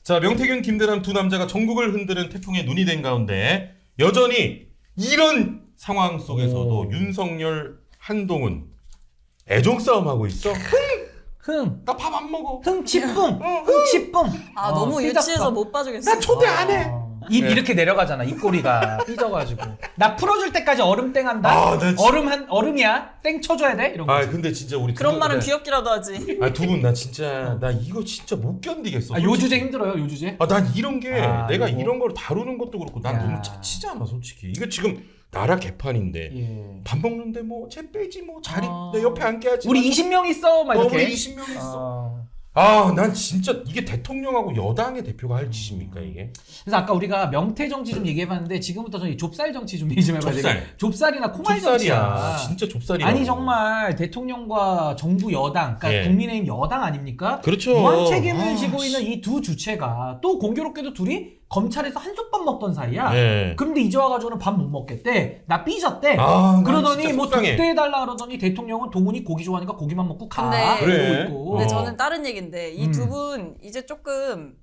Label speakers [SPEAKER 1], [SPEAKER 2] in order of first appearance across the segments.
[SPEAKER 1] 자, 명태균, 김대남 두 남자가 전국을 흔드는 태풍에 눈이 된 가운데 여전히 이런 상황 속에서도 윤석열, 한동훈 애정 싸움 하고 있어.
[SPEAKER 2] 흥.
[SPEAKER 1] 나 밥 안 먹어.
[SPEAKER 2] 흥치뿡. 흥치뿡.
[SPEAKER 3] 아 너무
[SPEAKER 2] 삐졌어.
[SPEAKER 3] 유치해서 못 봐주겠어.
[SPEAKER 1] 나 초대 안 해.
[SPEAKER 2] 입 이렇게 내려가잖아. 입꼬리가 삐져가지고. 나 풀어줄 때까지 얼음 땡 한다.
[SPEAKER 1] 아, 나 진짜-
[SPEAKER 2] 얼음이야. 땡 쳐줘야 돼. 이런 거.
[SPEAKER 1] 아, 근데 진짜 우리
[SPEAKER 3] 그런 말은 귀엽기라도 하지.
[SPEAKER 1] 아, 두 분 나 진짜 나 이거 진짜 못 견디겠어.
[SPEAKER 2] 요 주제 힘들어요. 요 주제.
[SPEAKER 1] 아, 난 이런 게 내가
[SPEAKER 2] 요거.
[SPEAKER 1] 이런 걸 다루는 것도 그렇고 난
[SPEAKER 2] 야.
[SPEAKER 1] 너무 짜치잖아, 솔직히. 이거 지금 나라 개판인데
[SPEAKER 2] 예.
[SPEAKER 1] 밥 먹는데 뭐 쟤 빼지 뭐 자리
[SPEAKER 2] 아.
[SPEAKER 1] 내 옆에 앉게하지.
[SPEAKER 2] 우리 20명 있어. 막 이렇게.
[SPEAKER 1] 우리 20명 있어. 난 진짜 이게 대통령하고 여당의 대표가 할 짓입니까 이게?
[SPEAKER 2] 그래서 아까 우리가 명태 정치 좀 얘기해봤는데 지금부터 저희 좁쌀 정치 좀 얘기 좀 해봐야
[SPEAKER 1] 좁쌀.
[SPEAKER 2] 되겠 좁쌀이나 콩알
[SPEAKER 1] 좁쌀이야.
[SPEAKER 2] 정치야.
[SPEAKER 1] 진짜 좁쌀이야.
[SPEAKER 2] 아니 정말 대통령과 정부 여당, 그러니까
[SPEAKER 1] 예.
[SPEAKER 2] 국민의힘 여당 아닙니까?
[SPEAKER 1] 그렇죠.
[SPEAKER 2] 무한 책임을
[SPEAKER 1] 아,
[SPEAKER 2] 지고 있는 이 두 주체가 또 공교롭게도 둘이 검찰에서 한솥밥 먹던 사이야.
[SPEAKER 1] 예.
[SPEAKER 2] 그런데 이제 와가지고는 밥 못 먹겠대. 나 삐졌대.
[SPEAKER 1] 난
[SPEAKER 2] 그러더니
[SPEAKER 1] 진짜
[SPEAKER 2] 뭐
[SPEAKER 1] 속상해.
[SPEAKER 2] 독대해달라 그러더니 대통령은 동훈이 고기 좋아하니까 고기만 먹고 가.
[SPEAKER 3] 근데-
[SPEAKER 1] 그래.
[SPEAKER 2] 이러고 있고.
[SPEAKER 3] 근데
[SPEAKER 1] 어.
[SPEAKER 3] 저는 다른 얘기인데 이 두 분 이제 조금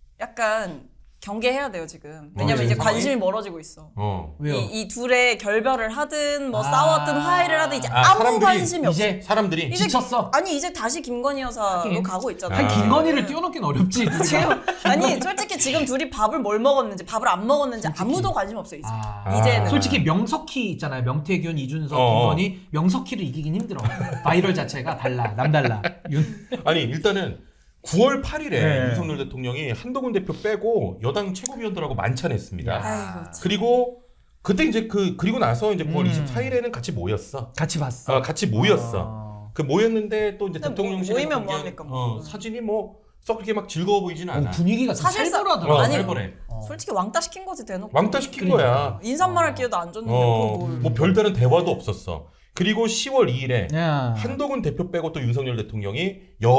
[SPEAKER 3] 약간 경계해야 돼요 지금. 왜냐면 이제
[SPEAKER 1] 상황이?
[SPEAKER 3] 관심이 멀어지고 있어.
[SPEAKER 2] 왜요?
[SPEAKER 3] 이 둘의 결별을 하든 뭐
[SPEAKER 2] 아.
[SPEAKER 3] 싸웠든 화해를 하든 이제
[SPEAKER 1] 아,
[SPEAKER 3] 아무
[SPEAKER 1] 사람들이
[SPEAKER 3] 관심이 없어.
[SPEAKER 2] 이제
[SPEAKER 1] 사람들이
[SPEAKER 3] 이제
[SPEAKER 2] 지쳤어.
[SPEAKER 3] 아니 이제 다시 김건희 여사로
[SPEAKER 2] 하긴.
[SPEAKER 3] 가고 있잖아.
[SPEAKER 2] 한
[SPEAKER 1] 아.
[SPEAKER 2] 김건희를 뛰어넘긴 어렵지.
[SPEAKER 3] 지금 아니 솔직히 지금 둘이 밥을 뭘 먹었는지 밥을 안 먹었는지 아무도 관심 없어 이제. 이제는.
[SPEAKER 2] 솔직히 명석희 있잖아요. 명태균, 이준석,
[SPEAKER 1] 어.
[SPEAKER 2] 김건희 명석희를 이기긴 힘들어. 바이럴 자체가 달라. 남달라.
[SPEAKER 1] 아니 일단은 9월 8일에
[SPEAKER 2] 네.
[SPEAKER 1] 윤석열 대통령이 한동훈 대표 빼고 여당 최고위원들하고 만찬했습니다.
[SPEAKER 3] 아이고 참.
[SPEAKER 1] 그리고 그때 이제 그리고 나서 이제 9월 24일에는 같이 모였어.
[SPEAKER 2] 같이 봤어.
[SPEAKER 1] 같이 모였어. 그 모였는데 또 이제
[SPEAKER 3] 근데
[SPEAKER 1] 대통령실에
[SPEAKER 3] 모이면 뭐 합니까, 뭐.
[SPEAKER 1] 사진이 뭐 썩 그렇게 막 즐거워 보이지는 않아.
[SPEAKER 2] 분위기가 좀
[SPEAKER 3] 사실상-
[SPEAKER 2] 살벌하더라.
[SPEAKER 3] 아니,
[SPEAKER 1] 살벌해.
[SPEAKER 3] 솔직히 왕따 시킨 거지 대놓고.
[SPEAKER 1] 왕따 시킨
[SPEAKER 2] 그러니까.
[SPEAKER 1] 거야.
[SPEAKER 3] 인사말할 기회도 안 줬는데 그걸 뭘.
[SPEAKER 1] 뭐 별다른 대화도 없었어. 그리고 10월 2일에
[SPEAKER 2] 야.
[SPEAKER 1] 한동훈 대표 빼고 또 윤석열 대통령이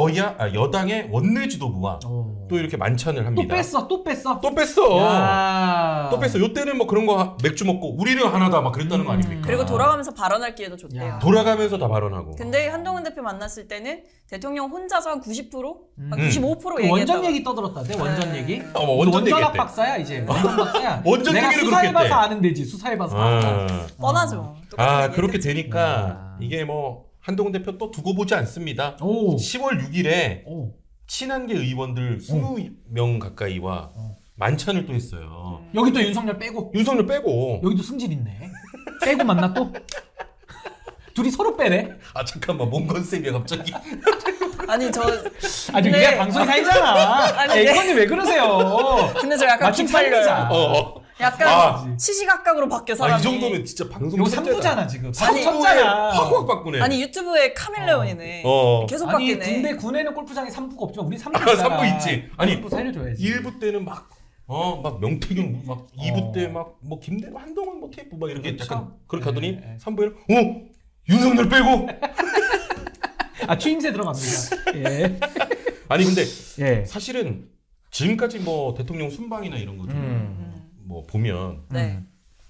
[SPEAKER 1] 여당의 원내 지도부와 또 이렇게 만찬을
[SPEAKER 2] 또
[SPEAKER 1] 합니다.
[SPEAKER 2] 뺐어. 또 뺐어.
[SPEAKER 1] 또 뺐어.
[SPEAKER 2] 야.
[SPEAKER 1] 또 뺐어. 요때는 뭐 그런 거 맥주 먹고 우리는 하나다 막 그랬다는 거 아닙니까?
[SPEAKER 3] 그리고 돌아가면서 발언할 기회도 줬대요.
[SPEAKER 2] 야.
[SPEAKER 1] 돌아가면서 다 발언하고.
[SPEAKER 3] 근데 한동훈 대표 만났을 때는 대통령 혼자서 한 90%? 한
[SPEAKER 1] 음.
[SPEAKER 3] 95%
[SPEAKER 2] 그
[SPEAKER 3] 얘기했다고.
[SPEAKER 2] 원전 얘기 떠들었다대. 원전
[SPEAKER 3] 네.
[SPEAKER 2] 얘기.
[SPEAKER 1] 뭐 원전
[SPEAKER 2] 원전학
[SPEAKER 1] 얘기했대.
[SPEAKER 2] 박사야 이제. 원전 박사야.
[SPEAKER 1] 원전
[SPEAKER 2] 내가
[SPEAKER 1] 얘기를
[SPEAKER 2] 수사해봐서
[SPEAKER 1] 그렇게 했대.
[SPEAKER 2] 아는 데지. 수사해봐서. 알아.
[SPEAKER 3] 뻔하죠. 똑같은 얘기
[SPEAKER 1] 그렇게
[SPEAKER 3] 했겠지.
[SPEAKER 1] 되니까 이게 뭐 한동훈 대표 또 두고 보지 않습니다.
[SPEAKER 2] 오.
[SPEAKER 1] 10월 6일에
[SPEAKER 2] 오.
[SPEAKER 1] 친한계 의원들 20명 가까이와 만찬을 또 했어요.
[SPEAKER 2] 여기 또 윤석열 빼고.
[SPEAKER 1] 윤석열 빼고.
[SPEAKER 2] 여기도 승질 있네. 빼고 만나 또. 둘이 서로 빼네.
[SPEAKER 1] 아 잠깐만 뭔 컨셉이야 갑자기.
[SPEAKER 3] 아니 저
[SPEAKER 2] 아니
[SPEAKER 3] 근데-
[SPEAKER 2] 우리가 방송이 살잖아.
[SPEAKER 3] 아니, 네.
[SPEAKER 2] 앵커님 왜 그러세요?
[SPEAKER 3] 근데 저 약간
[SPEAKER 2] 마침
[SPEAKER 3] 기빨려요.
[SPEAKER 2] 살리자.
[SPEAKER 3] 약간 시시각각으로 바뀌어 사람이.
[SPEAKER 1] 이 정도면 진짜 방송
[SPEAKER 2] 이거
[SPEAKER 1] 천재다.
[SPEAKER 2] 3부잖아 지금.
[SPEAKER 3] 아니,
[SPEAKER 2] 쳤잖아.
[SPEAKER 1] 확확 바꾸네.
[SPEAKER 3] 아니 유튜브에 카멜레온이네. 계속
[SPEAKER 2] 아니
[SPEAKER 3] 바뀌네.
[SPEAKER 2] 군에는 골프장에 3부가 없지만 우리 3부
[SPEAKER 1] 아,
[SPEAKER 2] 있잖아.
[SPEAKER 1] 3부 있지. 아니,
[SPEAKER 2] 3부 살려줘야지.
[SPEAKER 1] 1부 때는 막 명태균 막 2부 때 막 뭐 김대중 한동훈 뭐 테이프 막 이렇게
[SPEAKER 2] 그렇죠.
[SPEAKER 1] 약간 그렇게 하더니
[SPEAKER 2] 네.
[SPEAKER 1] 3부에는 윤석열 빼고.
[SPEAKER 2] 아 추임새 들어갑니다. 예.
[SPEAKER 1] 아니 근데
[SPEAKER 2] 예.
[SPEAKER 1] 사실은 지금까지 뭐 대통령 순방이나 이런 거 좀 뭐 보면
[SPEAKER 3] 네.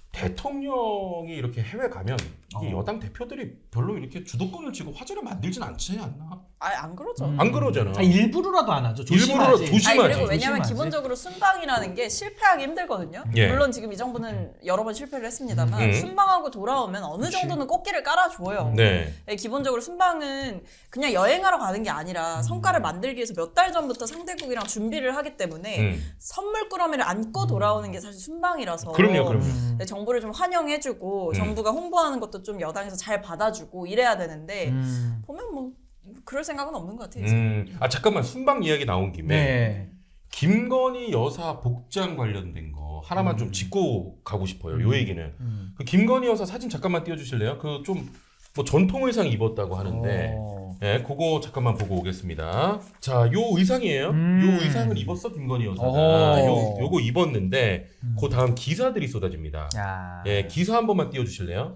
[SPEAKER 1] 대통령이 이렇게 해외 가면 이 여당 대표들이 별로 이렇게 주도권을 쥐고 화제를 만들진 않지 않나?
[SPEAKER 3] 아예 안 그러죠.
[SPEAKER 1] 안 그러잖아.
[SPEAKER 2] 일부러라도 안 하죠.
[SPEAKER 1] 일부러
[SPEAKER 2] 조심하지.
[SPEAKER 1] 조심하지.
[SPEAKER 3] 아니 그리고 왜냐면
[SPEAKER 2] 조심하지.
[SPEAKER 3] 기본적으로 순방이라는 게 실패하기 힘들거든요.
[SPEAKER 1] 예.
[SPEAKER 3] 물론 지금 이 정부는 여러 번 실패를 했습니다만
[SPEAKER 1] 음.
[SPEAKER 3] 순방하고 돌아오면 어느 정도는 꽃길을 깔아줘요.
[SPEAKER 1] 네.
[SPEAKER 3] 네, 기본적으로 순방은 그냥 여행하러 가는 게 아니라 성과를 만들기 위해서 몇 달 전부터 상대국이랑 준비를 하기 때문에 선물 꾸러미를 안고 돌아오는 게 사실 순방이라서
[SPEAKER 1] 그럼요.
[SPEAKER 3] 네, 정부를 좀 환영해주고 정부가 홍보하는 것도 좀 여당에서 잘 받아주고 이래야 되는데 보면 뭐 그럴 생각은 없는 것 같아요.
[SPEAKER 1] 아 잠깐만 순방 이야기 나온 김에
[SPEAKER 2] 네.
[SPEAKER 1] 김건희 여사 복장 관련된 거 하나만 좀 짚고 가고 싶어요. 요 얘기는 그 김건희 여사 사진 잠깐만 띄워주실래요? 그 좀 뭐 전통 의상 입었다고 하는데 예, 그거 잠깐만 보고 오겠습니다. 자, 요 의상이에요. 요 의상을 입었어 김건희 여사가. 요거 입었는데 그 다음 기사들이 쏟아집니다.
[SPEAKER 2] 야.
[SPEAKER 1] 예, 기사 한 번만 띄워주실래요?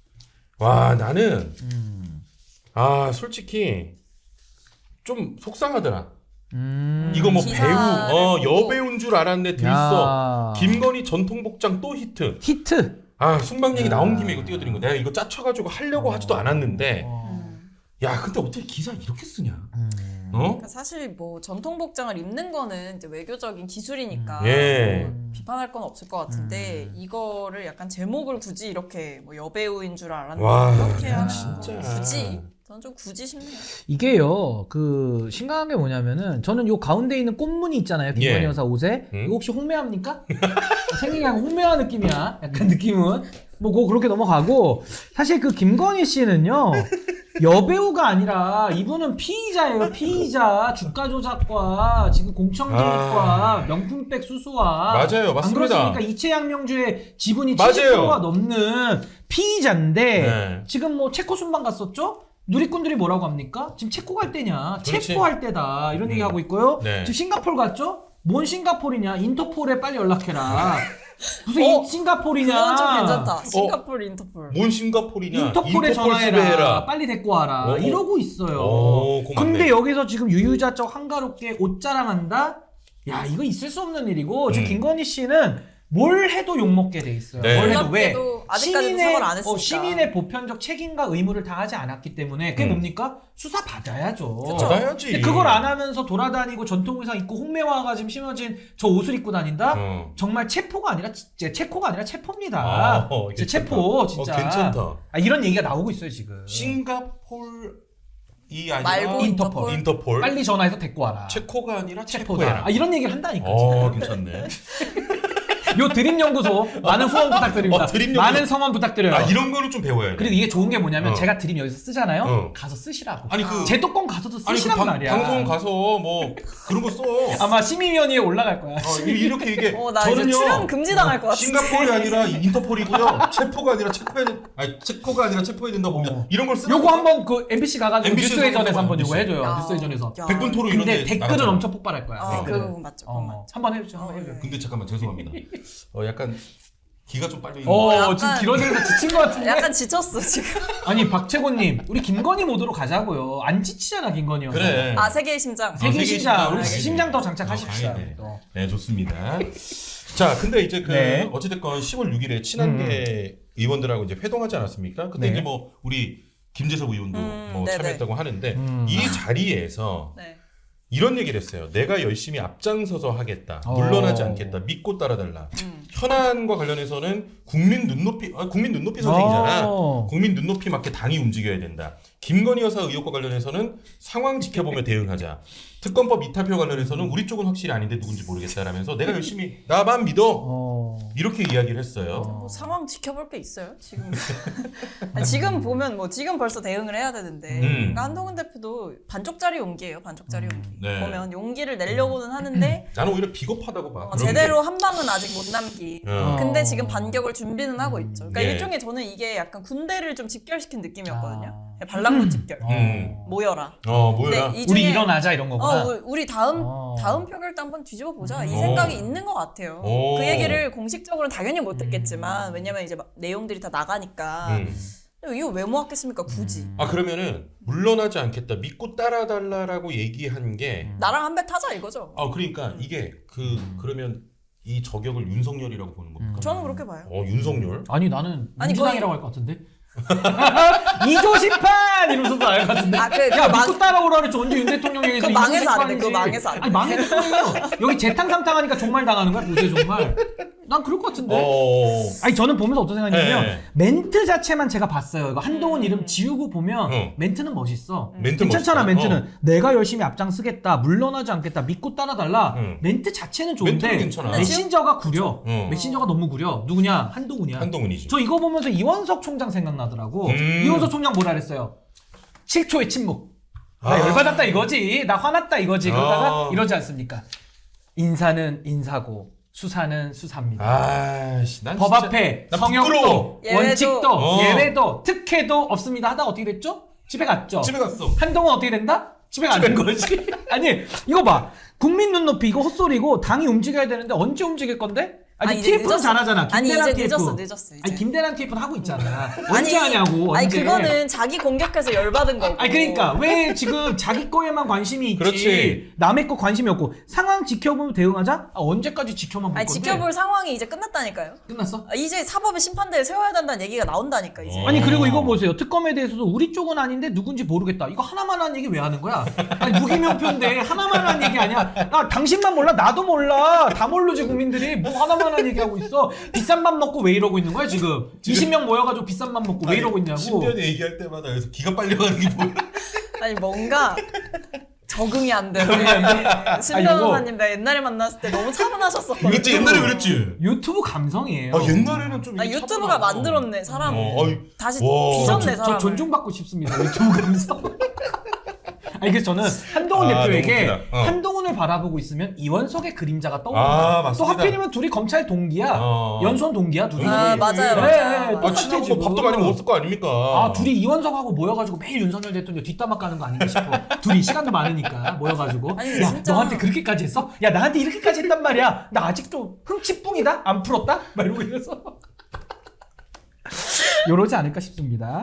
[SPEAKER 1] 와 나는 솔직히 좀 속상하더라. 이거 뭐
[SPEAKER 3] 기사를
[SPEAKER 1] 배우,
[SPEAKER 3] 보고.
[SPEAKER 1] 여배우인 줄 알았네 들써. 김건희 전통 복장 또 히트.
[SPEAKER 2] 히트.
[SPEAKER 1] 순방 얘기 나온 김에 이거 띄워드린 거. 내가 이거 짜쳐가지고 하려고 하지도 않았는데. 야, 근데 어떻게 기사 이렇게 쓰냐?
[SPEAKER 3] 그러니까 사실 뭐 전통 복장을 입는 거는 이제 외교적인 기술이니까
[SPEAKER 1] 예.
[SPEAKER 3] 뭐 비판할 건 없을 것 같은데 이거를 약간 제목을 굳이 이렇게 뭐 여배우인 줄 알았는데
[SPEAKER 1] 와,
[SPEAKER 3] 이렇게 하는
[SPEAKER 1] 진짜.
[SPEAKER 3] 거 굳이 저는 좀 굳이 싶네요.
[SPEAKER 2] 이게요, 그 심각한 게 뭐냐면은 저는 요 가운데 있는 꽃무늬 있잖아요, 김건희
[SPEAKER 1] 예.
[SPEAKER 2] 여사 옷에. 이거 혹시 홍매화입니까? 생긴 게 약간 홍매화 느낌이야. 약간 느낌은 뭐 그거 그렇게 넘어가고 사실 그 김건희 씨는요. 여배우가 아니라 이분은 피의자예요. 피의자, 주가 조작과 지금 공청개입과 명품백 수수와
[SPEAKER 1] 맞아요, 맞습니다.
[SPEAKER 2] 안 그렇습니까? 이채양명주의 지분이
[SPEAKER 1] 맞아요.
[SPEAKER 2] 70%가 넘는 피의자인데
[SPEAKER 1] 네.
[SPEAKER 2] 지금 뭐 체코 순방 갔었죠? 누리꾼들이 뭐라고 합니까? 지금 체코 갈 때냐?
[SPEAKER 1] 그렇지.
[SPEAKER 2] 체포할 때다 이런 얘기 하고 있고요.
[SPEAKER 1] 네.
[SPEAKER 2] 지금 싱가포르 갔죠? 뭔 싱가포르냐? 인터폴에 빨리 연락해라. 무슨 싱가포르냐?
[SPEAKER 3] 그건 좀 괜찮다. 싱가포르 인터폴.
[SPEAKER 1] 뭔 싱가포르냐?
[SPEAKER 2] 인터폴에 전화해라.
[SPEAKER 1] 수배해라.
[SPEAKER 2] 빨리 데리고 와라.
[SPEAKER 1] 어,
[SPEAKER 2] 이러고 있어요.
[SPEAKER 1] 그거 맞네.
[SPEAKER 2] 근데 여기서 지금 유유자적 한가롭게 옷 자랑한다? 야, 이거 있을 수 없는 일이고 지금 김건희 씨는 뭘 해도 욕먹게 돼 있어요.
[SPEAKER 1] 네.
[SPEAKER 2] 뭘 해도 왜?
[SPEAKER 3] 놀랍게도 아직까지도 사과를 안 했으니까.
[SPEAKER 2] 시민의 보편적 책임과 의무를 다하지 않았기 때문에 그게 뭡니까? 수사 받아야죠.
[SPEAKER 3] 그쵸.
[SPEAKER 1] 받아야지.
[SPEAKER 2] 근데 그걸 안 하면서 돌아다니고 전통 의상 입고 홍매화가 지금 심어진 저 옷을 입고 다닌다? 정말 체포가 아니라 체코가 아니라 체포입니다. 진짜 체포 진짜.
[SPEAKER 1] 괜찮다.
[SPEAKER 2] 이런 얘기가 나오고 있어요 지금.
[SPEAKER 1] 싱가폴이 아니라
[SPEAKER 3] 말고
[SPEAKER 2] 인터폴.
[SPEAKER 1] 인터폴.
[SPEAKER 2] 빨리 전화해서 데리고 와라.
[SPEAKER 1] 체코가 아니라
[SPEAKER 2] 체포다.
[SPEAKER 1] 체포해라.
[SPEAKER 2] 이런 얘기를 한다니까. 지금.
[SPEAKER 1] 괜찮네.
[SPEAKER 2] 요 드림연구소 많은 후원 부탁드립니다.
[SPEAKER 1] 드림연구소.
[SPEAKER 2] 많은 성원 부탁드려요.
[SPEAKER 1] 이런 거를 좀 배워야 돼.
[SPEAKER 2] 그리고 이게 좋은 게 뭐냐면
[SPEAKER 1] 어.
[SPEAKER 2] 제가 드림 여기서 쓰잖아요.
[SPEAKER 1] 어.
[SPEAKER 2] 가서 쓰시라고.
[SPEAKER 1] 아니 그
[SPEAKER 2] 제도권 가서도
[SPEAKER 1] 아니 그
[SPEAKER 2] 쓰시란 말이야.
[SPEAKER 1] 방송 가서 뭐 그런 거 써.
[SPEAKER 2] 아마 심의위원회에 올라갈 거야.
[SPEAKER 1] 이렇게 이게
[SPEAKER 3] 나 이제 출연 금지당할 것 같은데.
[SPEAKER 1] 싱가폴이 아니라 인터폴이고요. 체포가 아니라 체코가 아니라 체포해야 된다 보면 이런 걸 쓰는
[SPEAKER 2] 요거 한번 그 MBC 가가지고
[SPEAKER 1] MBC
[SPEAKER 2] 뉴스회전에서 한번
[SPEAKER 1] MBC.
[SPEAKER 2] 요거 해줘요.
[SPEAKER 3] 야.
[SPEAKER 2] 뉴스회전에서.
[SPEAKER 3] 야.
[SPEAKER 1] 백분 토론 이런
[SPEAKER 2] 근데
[SPEAKER 1] 데
[SPEAKER 2] 댓글은
[SPEAKER 1] 나가잖아.
[SPEAKER 2] 엄청 폭발할 거야. 댓글은.
[SPEAKER 3] 그거 맞죠. 그거 맞죠.
[SPEAKER 2] 한번 해주죠. 한번 해줘요.
[SPEAKER 1] 근데 잠깐만 죄송합니다. 약간 기가 좀 빨려 있는
[SPEAKER 3] 약간-
[SPEAKER 2] 지금 길어지면서 지친 것 같은데.
[SPEAKER 3] 약간 지쳤어 지금.
[SPEAKER 2] 아니 박채곤님, 우리 김건희 모드로 가자고요. 안 지치잖아 김건희 형.
[SPEAKER 1] 그래.
[SPEAKER 3] 세계의 심장.
[SPEAKER 2] 세계
[SPEAKER 1] 세계
[SPEAKER 2] 심장.
[SPEAKER 1] 심장.
[SPEAKER 2] 우리
[SPEAKER 1] 알겠네.
[SPEAKER 2] 심장 더 장착하십시다.
[SPEAKER 1] 다행이네.
[SPEAKER 2] 또.
[SPEAKER 1] 네, 좋습니다. 자, 근데 이제
[SPEAKER 2] 네.
[SPEAKER 1] 어찌됐건 10월 6일에 친한계 의원들하고 이제 회동하지 않았습니까? 그때
[SPEAKER 2] 네.
[SPEAKER 1] 이제 뭐 우리 김재섭 의원도 뭐
[SPEAKER 3] 네네.
[SPEAKER 1] 참여했다고 하는데 이 자리에서
[SPEAKER 3] 네.
[SPEAKER 1] 이런 얘기를 했어요. 내가 열심히 앞장서서 하겠다. 물러나지 않겠다. 믿고 따라달라. 현안과 관련해서는 국민 눈높이 선생이잖아. 국민 눈높이 맞게 당이 움직여야 된다. 김건희 여사 의혹과 관련해서는 상황 지켜보며 대응하자. 특검법 이탈표 관련해서는 우리 쪽은 확실히 아닌데 누군지 모르겠다라면서 내가 열심히 나만 믿어. 이렇게 이야기를 했어요.
[SPEAKER 3] 뭐 상황 지켜볼 게 있어요 지금. 아니, 지금 보면 뭐 지금 벌써 대응을 해야 되는데 그러니까 한동훈 대표도 반쪽짜리 용기예요. 반쪽짜리 용기.
[SPEAKER 1] 네.
[SPEAKER 3] 보면 용기를 내려고는 하는데
[SPEAKER 1] 나는 오히려 비겁하다고 봐. 그런
[SPEAKER 3] 제대로 한 방은 아직 못 남기.
[SPEAKER 1] 어.
[SPEAKER 3] 근데 지금 반격을 준비는 하고 있죠. 그러니까
[SPEAKER 1] 예.
[SPEAKER 3] 일종의 저는 이게 약간 군대를 좀 집결시킨 느낌이었거든요. 반란군 집결. 모여라.
[SPEAKER 1] 뭐야?
[SPEAKER 3] 근데 이
[SPEAKER 2] 우리
[SPEAKER 3] 중에
[SPEAKER 2] 일어나자 이런 거구나.
[SPEAKER 3] 우리 다음 표결도 한번 뒤집어 보자. 이 생각이 있는 것 같아요.
[SPEAKER 1] 오.
[SPEAKER 3] 그 얘기를 공식적으로는 당연히 못 듣겠지만 왜냐면 이제 막 내용들이 다 나가니까 이거 왜 모았겠습니까 굳이.
[SPEAKER 1] 그러면은 물러나지 않겠다. 믿고 따라달라라고 얘기한 게
[SPEAKER 3] 나랑 한 배 타자 이거죠.
[SPEAKER 1] 그러니까 이게 그러면 이 저격을 윤석열이라고 보는 겁니까?
[SPEAKER 3] 저는 그렇게 봐요.
[SPEAKER 1] 윤석열?
[SPEAKER 2] 아니 나는
[SPEAKER 3] 아니,
[SPEAKER 2] 민주당이라고 할 것 같은데. 이조심판 이러면서도 알 것 같은데. 야 믿고 따라오라 그랬지. 언제 윤 대통령 얘기해서
[SPEAKER 3] 그거 망해서 안 돼.
[SPEAKER 2] 이조심판이지.
[SPEAKER 3] 그거 망해서 안 돼.
[SPEAKER 2] 아니 망했어요. 여기 재탕삼탕하니까 종말 당하는 거야 보세 종말. 난 그럴 것 같은데. 아니 저는 보면서 어떤 생각이냐면
[SPEAKER 1] 네.
[SPEAKER 2] 멘트 자체만 제가 봤어요. 이거 한동훈 이름 지우고 보면 멘트는 멋있어.
[SPEAKER 1] 멘트
[SPEAKER 2] 괜찮잖아
[SPEAKER 1] 멋있다.
[SPEAKER 2] 멘트는. 내가 열심히 앞장서겠다. 물러나지 않겠다. 믿고 따라달라. 멘트 자체는 좋은데
[SPEAKER 1] 멘트는 괜찮아.
[SPEAKER 2] 메신저가 구려. 메신저가 너무 구려. 누구냐? 한동훈이야.
[SPEAKER 1] 한동훈이지.
[SPEAKER 2] 저 이거 보면서 이원석 총장 생각나더라고. 이원석 총장 뭐라 그랬어요? 7초의 침묵. 나 열받았다 이거지. 나 화났다 이거지. 그러다가 이러지 않습니까? 인사는 인사고 수사는 수사입니다.
[SPEAKER 1] 난
[SPEAKER 2] 법
[SPEAKER 1] 진짜-
[SPEAKER 2] 앞에
[SPEAKER 1] 난
[SPEAKER 2] 성역도
[SPEAKER 1] 부끄러워.
[SPEAKER 2] 원칙도 예외도 특혜도 없습니다 하다 어떻게 됐죠? 집에 갔죠.
[SPEAKER 1] 집에 갔어.
[SPEAKER 2] 한동훈 어떻게 된다? 집에 가는 거지. 아니 이거 봐. 국민 눈높이 이거 헛소리고 당이 움직여야 되는데 언제 움직일 건데? 아니
[SPEAKER 3] 이제
[SPEAKER 2] TF는
[SPEAKER 3] 늦었어.
[SPEAKER 2] 잘하잖아.
[SPEAKER 3] 아니
[SPEAKER 2] 김대란
[SPEAKER 3] 이제
[SPEAKER 2] TF.
[SPEAKER 3] 늦었어. 이제.
[SPEAKER 2] 아니 김대란 TF는 하고 있잖아. 언제 하냐고.
[SPEAKER 3] 아니
[SPEAKER 2] 언제.
[SPEAKER 3] 그거는 자기 공격해서 열받은 거고.
[SPEAKER 2] 아니 그러니까 왜 지금 자기 거에만 관심이 있지
[SPEAKER 1] 그렇지.
[SPEAKER 2] 남의 거 관심이 없고 상황 지켜보면 대응하자? 아, 언제까지 지켜만 볼
[SPEAKER 3] 아니
[SPEAKER 2] 건데?
[SPEAKER 3] 지켜볼 상황이 이제 끝났다니까요.
[SPEAKER 2] 끝났어?
[SPEAKER 3] 이제 사법의 심판대에 세워야 된다는 얘기가 나온다니까 이제.
[SPEAKER 2] 아니 그리고 이거 보세요. 특검에 대해서도 우리 쪽은 아닌데 누군지 모르겠다. 이거 하나만 한 얘기 왜 하는 거야? 아니 무기명표인데 하나만 한 얘기 아니야. 나 당신만 몰라 나도 몰라. 다 모르지 국민들이. 뭐 하나만 한 얘기하고 있어. 비싼 밥 먹고 왜 이러고 있는 거야 지금? 20명 모여가지고 비싼 밥 먹고 왜 이러고 있냐고.
[SPEAKER 1] 신변이 얘기할 때마다 여기서 기가 빨려가는 게 뭐야?
[SPEAKER 3] 아니 뭔가 적응이 안 되네.
[SPEAKER 2] 이거-
[SPEAKER 3] 신변호사님 나 옛날에 만났을 때 너무 차분하셨었거든요.
[SPEAKER 1] 그랬지 옛날에 그랬지.
[SPEAKER 2] 유튜브 감성이에요.
[SPEAKER 1] 아 옛날에는 좀
[SPEAKER 3] 아,
[SPEAKER 1] 이게
[SPEAKER 3] 유튜브가
[SPEAKER 1] 차분하고.
[SPEAKER 3] 만들었네 사람.
[SPEAKER 1] 어이.
[SPEAKER 3] 다시
[SPEAKER 1] 와.
[SPEAKER 3] 빚었네
[SPEAKER 2] 저
[SPEAKER 3] 사람.
[SPEAKER 2] 존중받고 싶습니다. 유튜브 감성. 아니 그래서 저는 한동훈
[SPEAKER 1] 아,
[SPEAKER 2] 대표에게
[SPEAKER 1] 너무 웃기다.
[SPEAKER 2] 한동훈을 바라보고 있으면 이원석의 그림자가
[SPEAKER 1] 아,
[SPEAKER 2] 떠오른다. 또
[SPEAKER 1] 맞습니다.
[SPEAKER 2] 하필이면 둘이 검찰 동기야.
[SPEAKER 1] 어.
[SPEAKER 2] 연수원 동기야 둘이.
[SPEAKER 3] 아, 맞아요,
[SPEAKER 2] 네,
[SPEAKER 3] 맞아요.
[SPEAKER 2] 네, 똑같아,
[SPEAKER 1] 친하고
[SPEAKER 2] 지금.
[SPEAKER 1] 뭐 밥도 많이 먹었을 거 아닙니까?
[SPEAKER 2] 아 둘이 이원석하고 모여가지고 매일 윤석열 대통령 뒷담화 까는 거 아닌가 싶어. 둘이 시간도 많으니까 모여가지고.
[SPEAKER 3] 아니,
[SPEAKER 2] 야
[SPEAKER 3] 진짜.
[SPEAKER 2] 너한테 그렇게까지 했어? 야 나한테 이렇게까지 했단 말이야. 나 아직도 흥치뿡이다? 안 풀었다? 막 이러고 이래서. 요러지 않을까 싶습니다.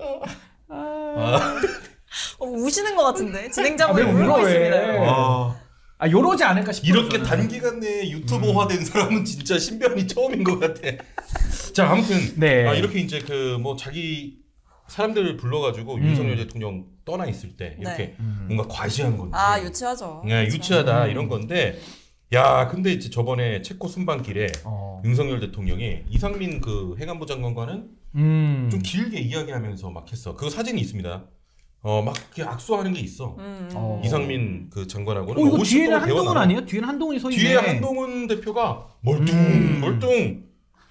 [SPEAKER 3] 우시는 것 같은데
[SPEAKER 2] 왜
[SPEAKER 3] 진행자분이
[SPEAKER 2] 울어,
[SPEAKER 3] 울고
[SPEAKER 2] 왜?
[SPEAKER 3] 있습니다.
[SPEAKER 1] 와.
[SPEAKER 2] 아 요러지 않을까 싶어.
[SPEAKER 1] 이렇게 단기간 내에 유튜버화된 사람은 진짜 신변이 처음인 것 같아. 자 아무튼
[SPEAKER 2] 네.
[SPEAKER 1] 이렇게 이제 그 뭐 자기 사람들을 불러가지고 윤석열 대통령 떠나 있을 때 이렇게 뭔가 과시한 건지.
[SPEAKER 3] 아 유치하죠.
[SPEAKER 1] 네, 유치하다 이런 건데. 야 근데 이제 저번에 체코 순방길에 윤석열 대통령이 이상민 그 행안부 장관과는 좀 길게 이야기하면서 막 했어. 그 사진이 있습니다. 막 이렇게 악수하는 게 있어. 이상민 그 장관하고는
[SPEAKER 2] 이거
[SPEAKER 1] 50분을
[SPEAKER 2] 뒤에는 한동훈
[SPEAKER 1] 대화나눠.
[SPEAKER 2] 아니에요? 뒤에는 한동훈이 서 있네.
[SPEAKER 1] 뒤에 한동훈 대표가 멀뚱.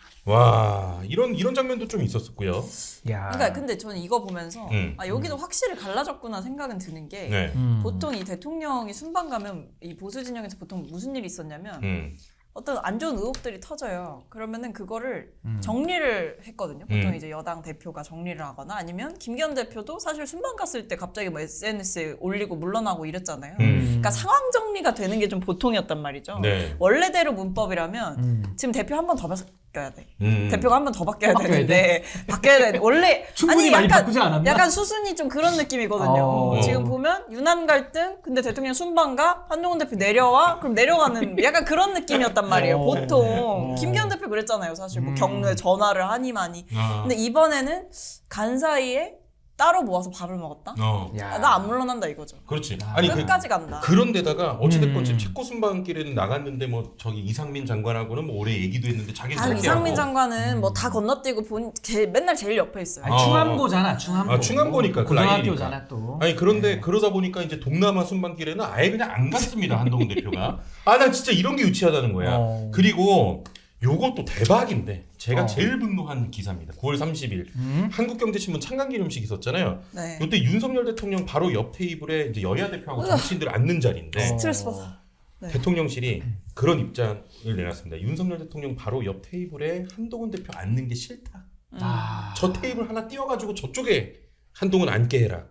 [SPEAKER 1] 와 이런 장면도 좀 있었었고요.
[SPEAKER 2] 야.
[SPEAKER 3] 그러니까 근데 저는 이거 보면서
[SPEAKER 1] 음.
[SPEAKER 3] 여기도 확실히 갈라졌구나 생각은 드는 게
[SPEAKER 1] 네.
[SPEAKER 3] 보통 이 대통령이 순방 가면 이 보수 진영에서 보통 무슨 일이 있었냐면 어떤 안 좋은 의혹들이 터져요. 그러면은 그거를 정리를 했거든요. 보통 이제 여당 대표가 정리를 하거나 아니면 김기현 대표도 사실 순방 갔을 때 갑자기 뭐 SNS에 올리고 물러나고 이랬잖아요. 그러니까 상황 정리가 되는 게 좀 보통이었단 말이죠.
[SPEAKER 1] 네.
[SPEAKER 3] 원래대로 문법이라면 지금 대표 한 번 더 바뀌어야 돼.
[SPEAKER 1] 대표가
[SPEAKER 3] 한 번 더 바뀌어야
[SPEAKER 2] 바뀌어야
[SPEAKER 3] 되는데 바뀌어야 돼. 원래
[SPEAKER 2] 충분히 많이 바꾸지 않았나?
[SPEAKER 3] 약간 수순이 좀 그런 느낌이거든요. 지금 보면 유난 갈등, 근데 대통령 순방가 한동훈 대표 내려와, 그럼 내려가는 약간 그런 느낌이었단 말이에요. 보통 김기현 대표 그랬잖아요. 사실 뭐 경로에 전화를 하니 많이. 근데 이번에는 간 사이에 따로 모아서 밥을 먹었다.
[SPEAKER 2] 야.
[SPEAKER 3] 나 안 물러난다 이거죠.
[SPEAKER 1] 그렇지. 아니
[SPEAKER 3] 끝까지 간다.
[SPEAKER 1] 그런데다가 어찌됐건 지금 체코 순방길에는 나갔는데 뭐 저기 이상민 장관하고는 뭐 오래 얘기도 했는데 자기는
[SPEAKER 3] 아,
[SPEAKER 1] 그렇게
[SPEAKER 3] 이상민
[SPEAKER 1] 하고.
[SPEAKER 3] 장관은 뭐 다 건너뛰고 맨날 제일 옆에 있어요.
[SPEAKER 2] 아니, 충암고잖아, 충암고.
[SPEAKER 1] 아, 충암고니까, 그
[SPEAKER 2] 고등학교잖아 또.
[SPEAKER 1] 아니 그런데 그러다 보니까 이제 동남아 순방길에는 아예 그냥 안 갔습니다 한동훈 대표가. 아 난 진짜 이런 게 유치하다는 거야. 그리고 요것도 대박인데 제가 제일 분노한 기사입니다. 9월 30일 한국경제신문 창간기념식 있었잖아요.
[SPEAKER 3] 네.
[SPEAKER 1] 이때 윤석열 대통령 바로 옆 테이블에 이제 여야 대표하고 정치인들 앉는 자리인데
[SPEAKER 3] 스트레스 받아. 네.
[SPEAKER 1] 대통령실이 그런 입장을 내놨습니다. 윤석열 대통령 바로 옆 테이블에 한동훈 대표 앉는 게 싫다. 저 테이블 하나 띄워가지고 저쪽에 한동훈 앉게 해라.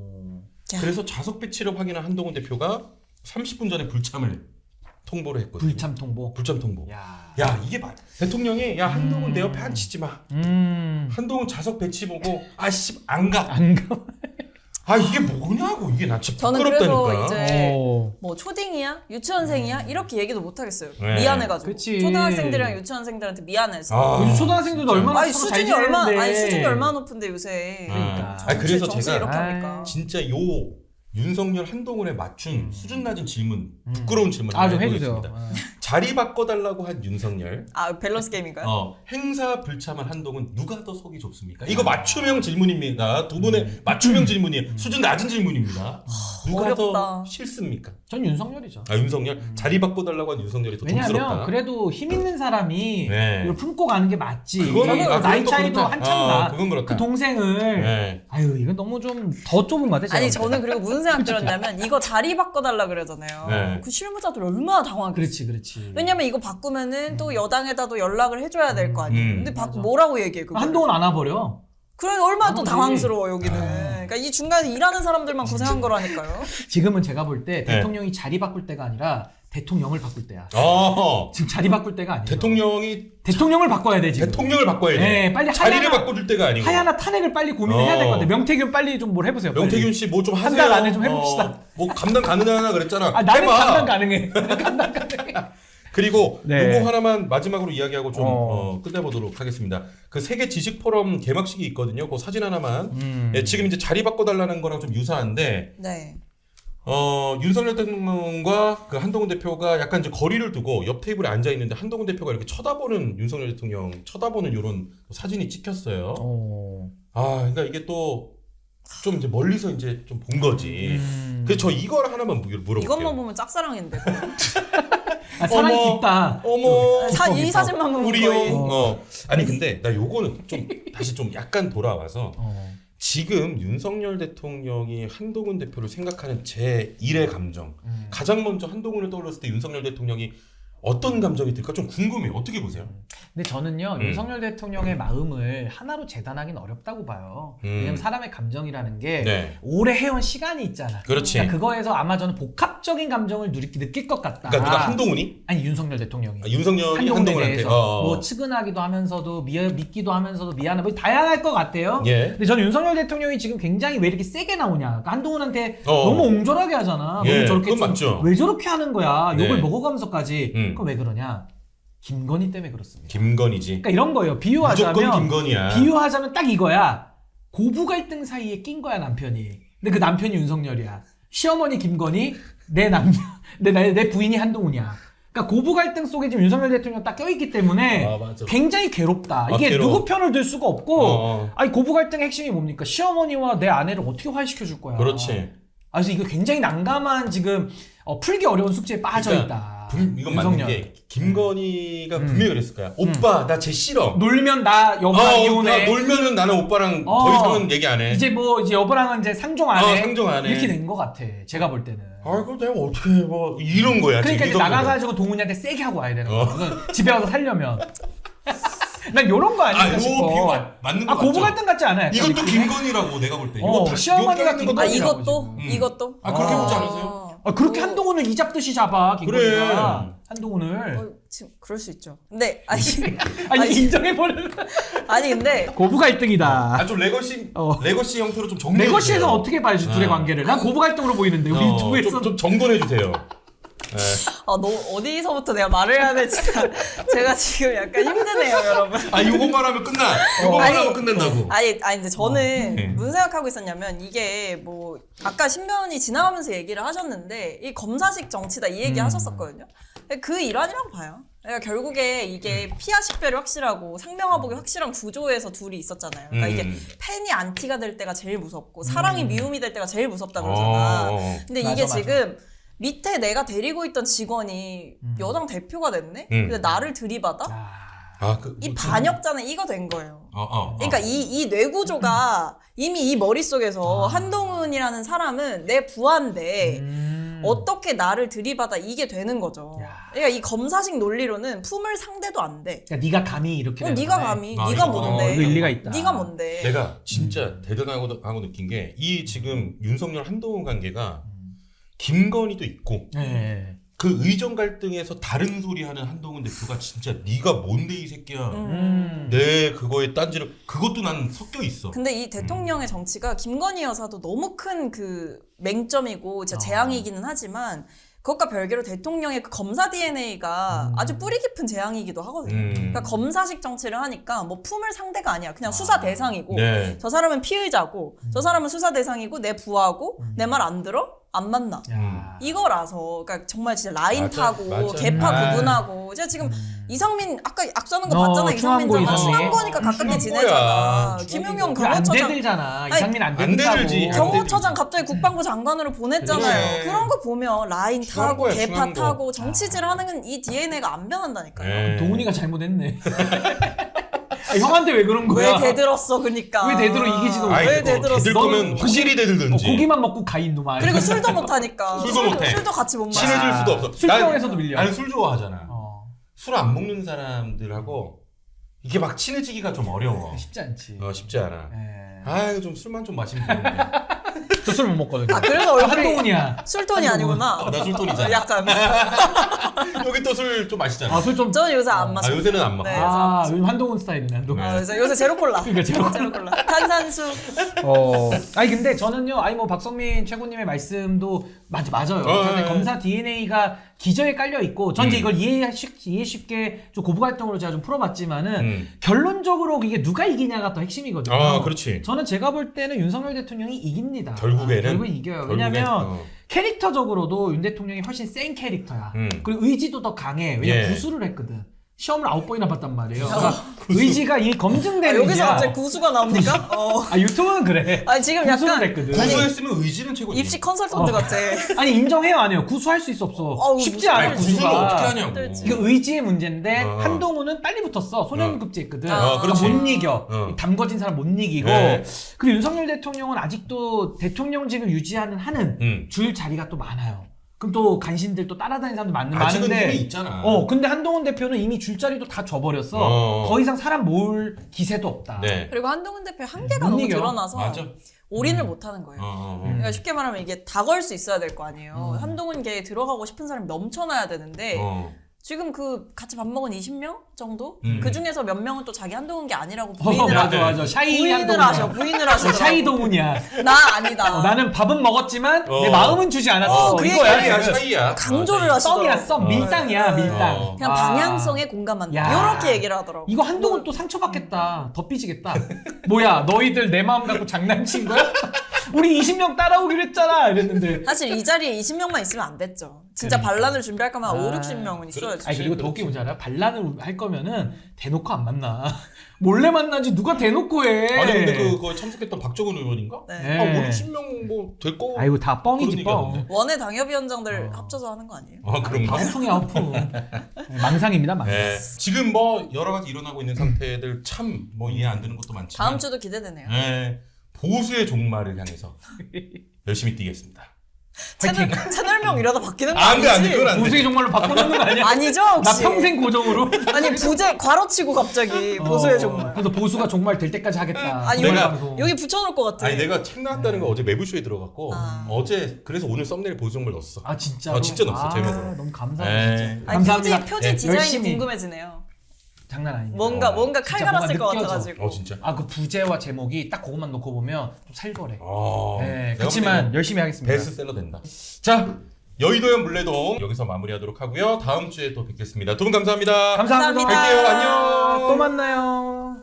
[SPEAKER 1] 그래서 좌석 배치를 확인한 한동훈 대표가 30분 전에 불참을 통보를 했거든요.
[SPEAKER 2] 불참 통보.
[SPEAKER 1] 불참 통보.
[SPEAKER 2] 야.
[SPEAKER 1] 야 이게 대통령이 야 한동훈 내 옆에 앉히지 마. 한동훈 좌석 배치 보고 아씨 안 가.
[SPEAKER 2] 안 가.
[SPEAKER 1] 아 이게 뭐냐고 이게 나 진짜
[SPEAKER 3] 저는
[SPEAKER 1] 부끄럽다니까.
[SPEAKER 3] 그래서 이제
[SPEAKER 2] 오.
[SPEAKER 3] 뭐 초딩이야? 유치원생이야? 이렇게 얘기도 못 하겠어요.
[SPEAKER 1] 네.
[SPEAKER 3] 미안해가지고.
[SPEAKER 2] 그치.
[SPEAKER 3] 초등학생들이랑 유치원생들한테 미안해서.
[SPEAKER 1] 아.
[SPEAKER 2] 요즘 초등학생들도 얼마나
[SPEAKER 3] 아니
[SPEAKER 2] 서로 잘
[SPEAKER 3] 수준이
[SPEAKER 2] 지내는데.
[SPEAKER 3] 수준이 얼마나 높은데 요새.
[SPEAKER 2] 그러니까.
[SPEAKER 1] 그래서
[SPEAKER 3] 정치
[SPEAKER 1] 제가
[SPEAKER 3] 이렇게 하니까.
[SPEAKER 1] 진짜 요 윤석열 한동훈에 맞춘 수준 낮은 질문, 부끄러운 질문
[SPEAKER 2] 좀
[SPEAKER 1] 해보겠습니다.
[SPEAKER 2] 해주세요.
[SPEAKER 1] 자리 바꿔달라고 한 윤석열,
[SPEAKER 3] 아 밸런스 게임인가요?
[SPEAKER 1] 행사 불참한 한동훈 누가 더 속이 좁습니까? 이거 맞춤형 질문입니다. 두 분의 맞춤형 질문이에요. 수준 낮은 질문입니다. 누가
[SPEAKER 3] 어렵다.
[SPEAKER 1] 더 싫습니까?
[SPEAKER 2] 전 윤석열이죠.
[SPEAKER 1] 아 윤석열 자리 바꿔달라고 한 윤석열이 더
[SPEAKER 2] 왜냐하면
[SPEAKER 1] 좁스럽다.
[SPEAKER 2] 그래도 힘 있는 사람이
[SPEAKER 1] 네.
[SPEAKER 2] 이걸 품고 가는 게 맞지.
[SPEAKER 1] 그거는-
[SPEAKER 2] 이게
[SPEAKER 1] 아,
[SPEAKER 2] 나이
[SPEAKER 1] 그건 또
[SPEAKER 2] 차이도
[SPEAKER 1] 그렇다.
[SPEAKER 2] 한참 나.
[SPEAKER 1] 그건 그렇다.
[SPEAKER 2] 그 동생을
[SPEAKER 1] 네.
[SPEAKER 2] 아유 이건 너무 좀 더 좁은 것 같아. 제가
[SPEAKER 3] 아니
[SPEAKER 2] 볼 때.
[SPEAKER 3] 저는 그리고 무슨 생각 들었냐면 이거 자리 바꿔달라 그러잖아요.
[SPEAKER 1] 네.
[SPEAKER 3] 그 실무자들 얼마나 당황했겠어.
[SPEAKER 2] 그렇지.
[SPEAKER 3] 왜냐면 이거 바꾸면은 또 여당에다도 연락을 해줘야 될 거 아니에요. 근데
[SPEAKER 2] 맞아.
[SPEAKER 3] 뭐라고 얘기해 그거?
[SPEAKER 2] 한동훈 안 와버려.
[SPEAKER 3] 그래 얼마나 또
[SPEAKER 2] 아무리.
[SPEAKER 3] 당황스러워 여기는. 그러니까 이 중간에 일하는 사람들만 고생한 거라니까요.
[SPEAKER 2] 지금은 제가 볼 때
[SPEAKER 1] 네.
[SPEAKER 2] 대통령이 자리 바꿀 때가 아니라 대통령을 바꿀 때야.
[SPEAKER 1] 어.
[SPEAKER 2] 지금 자리 바꿀 때가 아니에요.
[SPEAKER 1] 대통령을
[SPEAKER 2] 바꿔야 돼 지금.
[SPEAKER 1] 대통령을 바꿔야 돼.
[SPEAKER 2] 네, 빨리
[SPEAKER 1] 자리를 바꿔줄 때가 아니고.
[SPEAKER 2] 하야나 탄핵을 빨리 고민을 해야 될 것 같아. 명태균 빨리 좀 뭘 해보세요.
[SPEAKER 1] 명태균 씨 뭐 좀 하세요.
[SPEAKER 2] 한 달 안에 좀 해봅시다.
[SPEAKER 1] 뭐 감당 가능하나 그랬잖아.
[SPEAKER 2] 아, 나는
[SPEAKER 1] 해봐.
[SPEAKER 2] 감당 가능해. 감당 가능해.
[SPEAKER 1] 그리고
[SPEAKER 2] 네.
[SPEAKER 1] 요거 하나만 마지막으로 이야기하고 좀 끝내보도록 하겠습니다. 그 세계 지식 포럼 개막식이 있거든요. 그 사진 하나만. 예, 지금 이제 자리 바꿔달라는 거랑 좀 유사한데.
[SPEAKER 3] 네.
[SPEAKER 1] 윤석열 대통령과 그 한동훈 대표가 약간 이제 거리를 두고 옆 테이블에 앉아 있는데 한동훈 대표가 이렇게 쳐다보는 윤석열 대통령 쳐다보는 이런 사진이 찍혔어요. 그러니까 이게 또 좀 이제 멀리서 이제 좀 본 거지. 그래서 저 이걸 하나만 물어볼게요.
[SPEAKER 3] 이것만 보면 짝사랑인데.
[SPEAKER 2] 아, 사랑이 깊다.
[SPEAKER 1] 어머.
[SPEAKER 3] 이 사진만 보면
[SPEAKER 1] 우리
[SPEAKER 3] 거의.
[SPEAKER 1] 형. 아니 근데 나 요거는 좀 다시 좀 약간 돌아와서 지금 윤석열 대통령이 한동훈 대표를 생각하는 제 1의 감정. 가장 먼저 한동훈을 떠올렸을 때 윤석열 대통령이 어떤 감정이 들까 좀 궁금해요. 어떻게 보세요?
[SPEAKER 2] 근데 저는요 윤석열 대통령의 마음을 하나로 재단하기는 어렵다고 봐요. 왜냐면 사람의 감정이라는 게
[SPEAKER 1] 네.
[SPEAKER 2] 오래 해온 시간이 있잖아.
[SPEAKER 1] 그렇지.
[SPEAKER 2] 그러니까 그거에서 아마 저는 복합적인 감정을 느낄 것 같다.
[SPEAKER 1] 그러니까 누가 한동훈이?
[SPEAKER 2] 아니 윤석열 대통령이.
[SPEAKER 1] 윤석열이
[SPEAKER 2] 한동훈에
[SPEAKER 1] 한동훈한테.
[SPEAKER 2] 대해서 뭐 측은하기도 하면서도 믿기도 하면서도 미안해 뭐 다양할 것 같아요.
[SPEAKER 1] 예.
[SPEAKER 2] 근데 저는 윤석열 대통령이 지금 굉장히 왜 이렇게 세게 나오냐. 그러니까 한동훈한테 너무 옹졸하게 하잖아.
[SPEAKER 1] 예,
[SPEAKER 2] 너무 저렇게
[SPEAKER 1] 그건 맞죠.
[SPEAKER 2] 왜 저렇게 하는 거야. 욕을
[SPEAKER 1] 네.
[SPEAKER 2] 먹어가면서까지. 그럼 왜 그러냐. 김건희 때문에 그렇습니다.
[SPEAKER 1] 김건희지.
[SPEAKER 2] 그러니까 이런 거예요. 비유하자면
[SPEAKER 1] 무조건 김건희야.
[SPEAKER 2] 비유하자면 딱 이거야. 고부 갈등 사이에 낀 거야 남편이. 근데 그 남편이 윤석열이야. 시어머니 김건희, 내 남편, 내 부인이 한동훈이야. 그러니까 고부 갈등 속에 지금 윤석열 대통령 딱 껴있기 때문에
[SPEAKER 1] 맞아.
[SPEAKER 2] 굉장히 괴롭다. 이게
[SPEAKER 1] 괴로워.
[SPEAKER 2] 누구 편을 들 수가 없고. 아니 고부 갈등의 핵심이 뭡니까? 시어머니와 내 아내를 어떻게 화해시켜 줄 거야.
[SPEAKER 1] 그렇지.
[SPEAKER 2] 그래서 이거 굉장히 난감한 지금 풀기 어려운 숙제에 빠져 있다.
[SPEAKER 1] 이건 맞는 게 김건희가 분명히 그랬을 거야. 오빠 나 쟤 싫어.
[SPEAKER 2] 놀면 나 여보랑 이혼해.
[SPEAKER 1] 놀면은 나는 오빠랑 더 이상은 얘기 안 해.
[SPEAKER 2] 이제 여보랑은 이제 상종 안 해.
[SPEAKER 1] 상종 안 해.
[SPEAKER 2] 이렇게 된 것 같아. 제가 볼 때는.
[SPEAKER 1] 그럼 내가 어떻게 해? 뭐 이런 거야.
[SPEAKER 2] 그러니까
[SPEAKER 1] 지금
[SPEAKER 2] 이제 나가가지고 동훈이한테 세게 하고 와야 되는 거야. 집에 와서 살려면. 난 요런 거 아닐까 싶어.
[SPEAKER 1] 요 비유 맞는 거 같죠?
[SPEAKER 2] 고부 갈등 같지 않아요? 약간
[SPEAKER 1] 이것도
[SPEAKER 2] 느낌이?
[SPEAKER 1] 김건희라고 내가 볼 때. 이거 다
[SPEAKER 2] 시어머니가
[SPEAKER 1] 여기 있는 거
[SPEAKER 2] 김건희라고
[SPEAKER 3] 이것도?
[SPEAKER 2] 지금.
[SPEAKER 3] 이것도?
[SPEAKER 1] 그렇게 보지 않으세요?
[SPEAKER 2] 그렇게 한동훈을 이 잡듯이 잡아 김건희가.
[SPEAKER 1] 그래.
[SPEAKER 2] 한동훈을.
[SPEAKER 3] 지금 그럴 수 있죠. 근데
[SPEAKER 2] 아니 인정해버리는.
[SPEAKER 3] 아니 근데
[SPEAKER 2] 고부 갈등이다.
[SPEAKER 1] 좀 레거시 형태로 좀 정돈해
[SPEAKER 2] 레거시에서 어떻게 봐야지 둘의 관계를. 난 고부 갈등으로 보이는데 우리 유튜브에서.
[SPEAKER 1] 좀 정돈해 주세요.
[SPEAKER 3] 너 어디서부터 내가 말을 해야 될지 제가 지금 약간 힘드네요, 여러분.
[SPEAKER 1] 요것만 하면 끝나. 요것만 하면 끝난다고.
[SPEAKER 3] 아니 근데 저는 무슨 생각하고 있었냐면 이게 뭐 아까 신변이 지나가면서 얘기를 하셨는데 이 검사식 정치다 이 얘기 하셨었거든요. 그 일환이라고 봐요. 그러니까 결국에 이게 피아 식별이 확실하고 상명하복이 확실한 구조에서 둘이 있었잖아요. 그러니까 이게 팬이 안티가 될 때가 제일 무섭고 사랑이 미움이 될 때가 제일 무섭다 그러잖아. 근데 이게 지금 밑에 내가 데리고 있던 직원이 여당 대표가 됐네? 근데 나를 들이받아? 이 반역자는 이거 된 거예요. 그러니까 이 뇌구조가 이미 이 머릿속에서 한동훈이라는 사람은 내 부하인데 어떻게 나를 들이받아 이게 되는 거죠. 그러니까 이 검사식 논리로는 품을 상대도 안 돼.
[SPEAKER 2] 그러니까 네가 감히 이렇게
[SPEAKER 3] 네가 감히 네가 뭔데?
[SPEAKER 2] 일리가 있다.
[SPEAKER 3] 네가 뭔데?
[SPEAKER 1] 내가 진짜 대단하고 느낀 게 이 지금 윤석열 한동훈 관계가 김건희도 있고 그 의정 갈등에서 다른 소리 하는 한동훈 대표가 진짜 네가 뭔데 이 새끼야. 내 그거에 딴지를 그것도 난 섞여 있어.
[SPEAKER 3] 근데 이 대통령의 정치가 김건희 여사도 너무 큰 그 맹점이고 진짜 재앙이기는 하지만 그것과 별개로 대통령의 그 검사 DNA가 아주 뿌리 깊은 재앙이기도 하거든요. 그러니까 검사식 정치를 하니까 뭐 품을 상대가 아니야. 그냥 수사 대상이고 저 사람은 피의자고 저 사람은 수사 대상이고 내 부하고 내 말 안 들어? 안 만나. 이거라서 그러니까 정말 진짜 라인 타고 개파 구분하고 제가 지금 이상민 아까 악수하는 거 봤잖아. 이상민 전 충암고니까 가깝게 지내잖아. 김용영 경호처장
[SPEAKER 2] 안 대들잖아. 이상민 안
[SPEAKER 1] 대들지.
[SPEAKER 3] 경호처장 갑자기 국방부 장관으로 보냈잖아요.
[SPEAKER 1] 그래.
[SPEAKER 3] 그런 거 보면 라인 타고
[SPEAKER 1] 거야,
[SPEAKER 3] 개파
[SPEAKER 1] 중요한
[SPEAKER 3] 타고 정치질하는 이 DNA가 안 변한다니까요.
[SPEAKER 2] 동훈이가 잘못했네. 형한테 왜 그런 거야?
[SPEAKER 3] 왜 대들었어, 그러니까.
[SPEAKER 2] 왜 대들어 이기지도 못해?
[SPEAKER 3] 왜 대들었어?
[SPEAKER 1] 대들 거면 확실히 대들든지.
[SPEAKER 2] 고기만 먹고 가 있는 말.
[SPEAKER 3] 그리고 술도 못 하니까.
[SPEAKER 1] 술도 못해.
[SPEAKER 3] 술도 같이 못 마셔.
[SPEAKER 1] 친해질 수도 없어.
[SPEAKER 2] 술병에서도 밀려.
[SPEAKER 1] 나는 술 좋아하잖아. 술 안 먹는 사람들하고 이게 막 친해지기가 좀 어려워.
[SPEAKER 2] 쉽지 않지.
[SPEAKER 1] 쉽지 않아. 이거 좀 술만 좀 마시면 되는데.
[SPEAKER 2] 저 술 못 먹거든요.
[SPEAKER 3] 아, 그래서 얼굴이
[SPEAKER 2] 한동훈이야.
[SPEAKER 3] 술톤이 아니구나.
[SPEAKER 1] 나 술톤이잖아.
[SPEAKER 3] 약간.
[SPEAKER 1] 여기 또 술 좀 마시잖아.
[SPEAKER 2] 아, 술 좀.
[SPEAKER 3] 저는 요새 안
[SPEAKER 1] 아,
[SPEAKER 3] 마셔요.
[SPEAKER 1] 요새는 안 먹어.
[SPEAKER 3] 네.
[SPEAKER 2] 아, 요즘 한동훈 스타일이네, 한동훈.
[SPEAKER 3] 아, 요새 제로콜라.
[SPEAKER 2] 그러니까
[SPEAKER 3] 제로콜라. 탄산수.
[SPEAKER 2] 아니 근데 저는요, 아니 뭐 박성민 최고님의 말씀도 맞아요. 저는 검사 DNA가 기저에 깔려 있고, 전 이제 이걸 이해 쉽게 좀 고부 활동으로 제가 좀 풀어봤지만은 결론적으로 이게 누가 이기냐가 더 핵심이거든요.
[SPEAKER 1] 아, 그렇지.
[SPEAKER 2] 저는 제가 볼 때는 윤석열 대통령이 이깁니다.
[SPEAKER 1] 결국에는?
[SPEAKER 2] 결국은 이겨요. 왜냐면 캐릭터적으로도 윤 대통령이 훨씬 센 캐릭터야. 그리고 의지도 더 강해. 왜냐면
[SPEAKER 1] 예.
[SPEAKER 2] 구술을 했거든. 시험을 9번이나 봤단 말이에요. 그러니까 의지가 이 검증된
[SPEAKER 3] 여기서
[SPEAKER 2] 의지야.
[SPEAKER 3] 갑자기 구수가 나옵니까?
[SPEAKER 2] 아, 유튜브는 그래.
[SPEAKER 3] 아니 지금
[SPEAKER 2] 구술을
[SPEAKER 3] 약간
[SPEAKER 2] 했거든.
[SPEAKER 1] 구수했으면 의지는 최고지.
[SPEAKER 3] 입시 컨설턴트 같아.
[SPEAKER 2] 아니 인정해요, 안 해요? 구수할 수 있어 없어? 쉽지 않아.
[SPEAKER 1] 아니, 구수를
[SPEAKER 2] 구수가.
[SPEAKER 1] 어떻게 하냐고.
[SPEAKER 3] 힘들지.
[SPEAKER 2] 이거 의지의 문제인데
[SPEAKER 1] 어.
[SPEAKER 2] 한동훈은 빨리 붙었어. 소년급제했거든.
[SPEAKER 1] 그렇지.
[SPEAKER 2] 못 이겨.
[SPEAKER 1] 어.
[SPEAKER 2] 담궈진 사람 못 이기고.
[SPEAKER 1] 네.
[SPEAKER 2] 그리고 윤석열 대통령은 아직도 대통령직을 유지하는 한은 줄 자리가 또 많아요. 그럼 또 간신들 또 따라다니는 사람도
[SPEAKER 1] 아직은
[SPEAKER 2] 많은데.
[SPEAKER 1] 힘이 있잖아.
[SPEAKER 2] 근데 한동훈 대표는 이미 줄자리도 다 줘버렸어. 더 이상 사람 모을 기세도 없다.
[SPEAKER 1] 네.
[SPEAKER 3] 그리고 한동훈 대표의 한계가
[SPEAKER 2] 못
[SPEAKER 3] 너무
[SPEAKER 2] 이겨.
[SPEAKER 3] 드러나서
[SPEAKER 1] 맞아.
[SPEAKER 3] 올인을 못 하는 거예요. 그러니까 쉽게 말하면 이게 다 걸 수 있어야 될 거 아니에요. 한동훈계에 들어가고 싶은 사람이 넘쳐나야 되는데 지금 그 같이 밥 먹은 20명 정도? 그 중에서 몇 명은 또 자기 한동훈 게 아니라고 부인을
[SPEAKER 2] 맞아. 샤이 한동훈.
[SPEAKER 3] 부인을 하셔.
[SPEAKER 2] 샤이 동훈이야.
[SPEAKER 3] 나 아니다.
[SPEAKER 2] 나는 밥은 먹었지만 내 마음은 주지 않았어.
[SPEAKER 3] 그
[SPEAKER 2] 이거야.
[SPEAKER 1] 샤이야,
[SPEAKER 2] 지금.
[SPEAKER 1] 샤이야.
[SPEAKER 3] 강조를 하시더라고.
[SPEAKER 2] 썸. 밀당이야, 밀당.
[SPEAKER 3] 그냥 방향성에 공감한다.
[SPEAKER 2] 야.
[SPEAKER 3] 이렇게 얘기를 하더라고.
[SPEAKER 2] 이거 한동훈 또 상처받겠다. 더 삐지겠다. 뭐야, 너희들 내 마음 갖고 장난친 거야? 우리 20명 따라오기로 했잖아. 이랬는데.
[SPEAKER 3] 사실 이 자리에 20명만 있으면 안 됐죠. 진짜 반란을 준비할 거면 5, 60명은 있어야지.
[SPEAKER 2] 아니, 그리고 더 웃긴 뭔지 알아요? 반란을 할 거면은 대놓고 안 만나. 몰래 만나지 누가 대놓고 해.
[SPEAKER 1] 아니 근데 그거 참석했던 박정은 의원인가?
[SPEAKER 3] 네.
[SPEAKER 1] 아, 50명 뭐 될 거.
[SPEAKER 2] 아이고, 다 뻥이지,
[SPEAKER 1] 그런
[SPEAKER 2] 뻥.
[SPEAKER 1] 얘기하던데.
[SPEAKER 3] 원외 당협위원장들 합쳐서 하는 거 아니에요?
[SPEAKER 1] 아, 그런가?
[SPEAKER 2] 허풍이야, 허풍. 망상입니다, 망상.
[SPEAKER 1] 네. 지금 뭐 여러 가지 일어나고 있는 상태들 참 뭐 이해 안 되는 것도 많지만
[SPEAKER 3] 다음 주도 기대되네요.
[SPEAKER 1] 네. 보수의 종말을 향해서 열심히 뛰겠습니다.
[SPEAKER 3] 채널명 이러다 바뀌는 거
[SPEAKER 1] 안 돼, 안 돼.
[SPEAKER 3] 아니지?
[SPEAKER 1] 그건 안 돼.
[SPEAKER 2] 보수의 종말로 바꿔놓는 거 아니야?
[SPEAKER 3] 아니죠?
[SPEAKER 2] 나
[SPEAKER 3] 혹시?
[SPEAKER 2] 평생 고정으로.
[SPEAKER 3] 아니 부재 괄호치고 갑자기 보수의 종말.
[SPEAKER 2] 그래서 보수가 종말 될 때까지 하겠다.
[SPEAKER 3] 아니
[SPEAKER 1] 내가
[SPEAKER 2] 방송.
[SPEAKER 3] 여기 붙여놓을 것 같아.
[SPEAKER 1] 아니 내가 책 나왔다는 거 어제 매부쇼에 들어갔고 어제 그래서 오늘 썸네일 보수 종말 넣었어.
[SPEAKER 2] 아, 진짜로?
[SPEAKER 1] 진짜 넣었어, 제목으로.
[SPEAKER 2] 너무 감사해요,
[SPEAKER 1] 네.
[SPEAKER 2] 진짜.
[SPEAKER 3] 아니,
[SPEAKER 2] 감사합니다.
[SPEAKER 3] 표지
[SPEAKER 2] 네,
[SPEAKER 3] 디자인이
[SPEAKER 2] 열심히.
[SPEAKER 3] 궁금해지네요.
[SPEAKER 2] 장난 아닙니다.
[SPEAKER 3] 뭔가 칼
[SPEAKER 2] 진짜
[SPEAKER 3] 갈았을 것
[SPEAKER 2] 뭔가 느껴져.
[SPEAKER 3] 같아가지고.
[SPEAKER 1] 진짜.
[SPEAKER 2] 아, 그 부제와 제목이 딱 그것만 놓고 보면 좀 살벌해. 네,
[SPEAKER 1] 내가
[SPEAKER 2] 그렇지만
[SPEAKER 1] 볼 때는
[SPEAKER 2] 열심히 하겠습니다.
[SPEAKER 1] 베스트셀러 된다. 자, 여의도현 물레동 여기서 마무리하도록 하고요. 다음 주에 또 뵙겠습니다. 두 분 감사합니다.
[SPEAKER 2] 감사합니다.
[SPEAKER 3] 감사합니다.
[SPEAKER 1] 뵐게요. 안녕.
[SPEAKER 2] 또 만나요.